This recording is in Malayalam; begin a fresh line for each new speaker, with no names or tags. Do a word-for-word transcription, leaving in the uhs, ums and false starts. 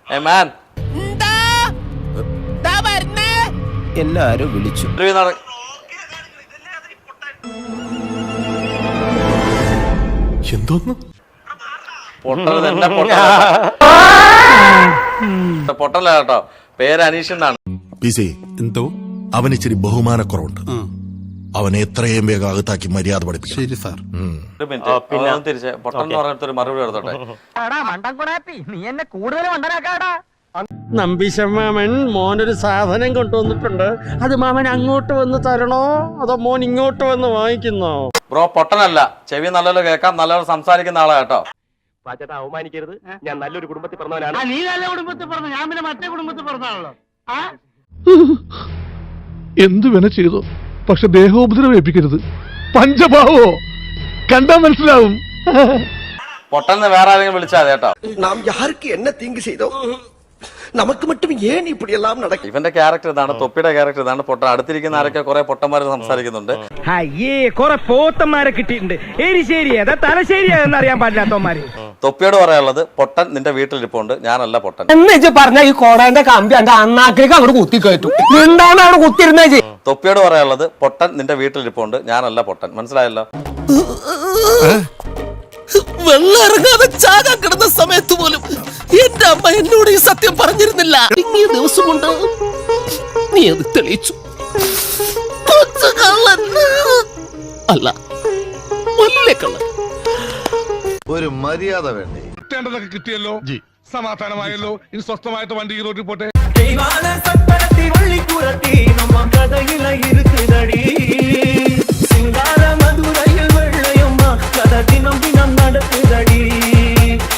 എ മാൻ
എല്ലാരും വിളിച്ചു.
എന്തോന്ന്
പൊട്ടല്ല കേട്ടോ, പേര് അനീഷ് എന്നാണ്.
എന്തോ
അവന് ഇച്ചിരി ബഹുമാനക്കുറവുണ്ട്. അവനെ എത്രയും വേഗം അകത്താക്കി മര്യാദ പഠിപ്പിക്കും.
ശരി സാർ.
ഒരു മിനിറ്റ് തിരിച്ച് പൊട്ടൻ എന്ന് പറഞ്ഞിട്ട് ഒരു മറുപടി എടുത്തോട്ടെ.
നീ എന്നെ കൂടുതൽ മണ്ടനാക്കാടാ.
നമ്പീശമാമൻ മോനൊരു സാധനം കൊണ്ടുവന്നിട്ടുണ്ട്. അത് മാമൻ അങ്ങോട്ട് വന്ന് തരണോ അതോ മോൻ ഇങ്ങോട്ട് വന്ന് വാങ്ങിക്കുന്നോ?
ബ്രോ പൊട്ടനല്ല, ചെവി നല്ലപോലെ കേൾക്കാം, നല്ലപോലെ സംസാരിക്കുന്ന ആളാ കേട്ടോ.
അവമാനിക്കരുത്, ഞാൻ നല്ലൊരു കുടുംബത്തിൽ പറഞ്ഞവനാണ്. നീ നല്ല കുടുംബത്തിൽ പറഞ്ഞു, ഞാൻ പിന്നെ മറ്റേ കുടുംബത്തിൽ പറഞ്ഞാണല്ലോ.
എന്തു വേണ ചെയ്തോ, പക്ഷെ ദേഹോപദ്രവേൽപ്പിക്കരുത്. പഞ്ചഭാവോ കണ്ടാ മനസ്സിലാവും.
പൊട്ടന്ന് വേറെ ആരെങ്കിലും വിളിച്ചാൽ കേട്ടോ.
നാം യാർക്ക് എന്നെ തീങ്ക് ചെയ്തോ, നമുക്ക് മറ്റും ഏൻ ഇപ്പടി എല്ലാം നടക്കും.
ഇവന്റെ ക്യാരക്ടർ ഇതാണ്, തൊപ്പിയുടെ ക്യാരക്ടർ ഇതാണ്. പൊട്ട അടുത്തിരിക്കുന്ന ആരൊക്കെ കുറെ പൊട്ടന്മാര് സംസാരിക്കുന്നുണ്ട്.
അയ്യേ കുറെ പോത്തന്മാരെ കിട്ടിയിട്ടുണ്ട്. എരിശേരി ഏതാ തലശ്ശേരി ഏതെന്ന് അറിയാൻ പാടില്ലാത്തവന്മാര്.
തൊപ്പിയോട് പറയാനുള്ളത്, പൊട്ടൻ നിന്റെ വീട്ടിലിരിപ്പുണ്ട്, ഞാനല്ല പൊട്ടൻ
എന്ന് പറഞ്ഞ ഈ കോടാന്റെ കമ്പി എന്റെ അണ്ണാക്കിലേക്ക് അങ്ങോട്ട് കുത്തി കയറ്റും. എന്താണ് അവിടെ കുത്തിരുന്നേ?
തൊപ്പിയോട് പറയാനുള്ളത്, പൊട്ടൻ നിന്റെ വീട്ടിലിരിപ്പുണ്ട്, ഞാനല്ല പൊട്ടൻ. മനസ്സിലായല്ലോ?
വെള്ളം ഇറങ്ങാതെ ചാകാൻ കിടന്ന സമയത്ത് പോലും എന്റെ അമ്മ എന്നോട് ഈ സത്യം പറഞ്ഞിരുന്നില്ല. ഇനി ദിവസം കൊണ്ട് നീ അത് തെളിയിച്ചു. അല്ല, വലിയ കള്ളൻ.
ഒരു മര്യാദ വേണ്ടേ?
കിട്ടേണ്ടതൊക്കെ കിട്ടിയല്ലോ, സമാധാനമായല്ലോ. ഇനി സ്വസ്ഥമായിട്ട് വണ്ടി റോഡിൽ പോട്ടെ.
இருக்குதடி